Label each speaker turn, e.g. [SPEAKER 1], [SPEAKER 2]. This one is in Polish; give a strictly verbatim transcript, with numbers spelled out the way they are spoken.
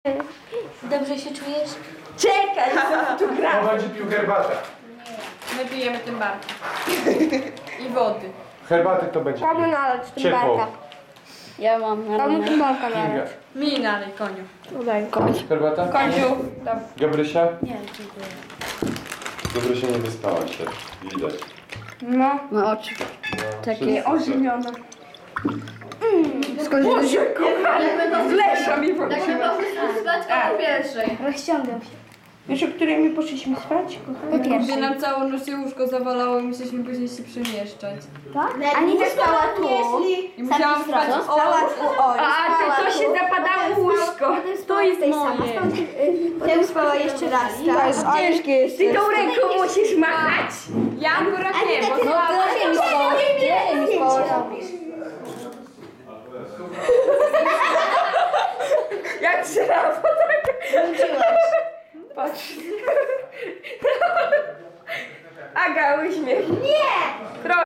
[SPEAKER 1] Dobrze się czujesz?
[SPEAKER 2] Czekaj, co tu gra?
[SPEAKER 3] On będzie pił herbatę.
[SPEAKER 4] My pijemy tym barka. I wody.
[SPEAKER 3] Herbaty to będzie
[SPEAKER 2] Komu
[SPEAKER 3] pił.
[SPEAKER 2] nalać tym
[SPEAKER 3] Ciepło.
[SPEAKER 2] barka?
[SPEAKER 1] Ja mam na
[SPEAKER 2] Komu tym barka
[SPEAKER 3] Kinga.
[SPEAKER 2] nalać?
[SPEAKER 4] Mi nalej, koniu.
[SPEAKER 2] Udaj.
[SPEAKER 3] Herbata?
[SPEAKER 4] Koniu.
[SPEAKER 3] Gabrysia?
[SPEAKER 1] Nie, dziękuję.
[SPEAKER 3] Gabrysia nie wyspała się. Widać.
[SPEAKER 2] No.
[SPEAKER 1] No oczy.
[SPEAKER 3] Takie
[SPEAKER 2] Ożywiona.
[SPEAKER 4] Boże,
[SPEAKER 2] Z Lesza mi
[SPEAKER 4] Tak
[SPEAKER 2] wróciła.
[SPEAKER 4] naprawdę spać o pierwszej.
[SPEAKER 1] Rozciągam się.
[SPEAKER 2] Wiesz, o której my poszliśmy spać, kochani?
[SPEAKER 1] Po
[SPEAKER 4] Gdy
[SPEAKER 1] pierwsze.
[SPEAKER 4] nam całą noc się łóżko zawalało i musieliśmy później się przemieszczać.
[SPEAKER 1] Anita spała tu.
[SPEAKER 4] I musiałam spać o...
[SPEAKER 2] A, ty to się zapadało łóżko.
[SPEAKER 4] To jest moje.
[SPEAKER 1] Potem spała jeszcze raz,
[SPEAKER 2] To jest ciężkie jest. Ty tą ręką musisz machać.
[SPEAKER 4] Ja akurat nie, bo
[SPEAKER 1] No
[SPEAKER 4] słabo.
[SPEAKER 1] to mi spała. Gdzie mi spała?
[SPEAKER 2] Jak żyrafa, tak?
[SPEAKER 1] Wróciłaś.
[SPEAKER 2] Patrz. Aga, uśmiech. Nie!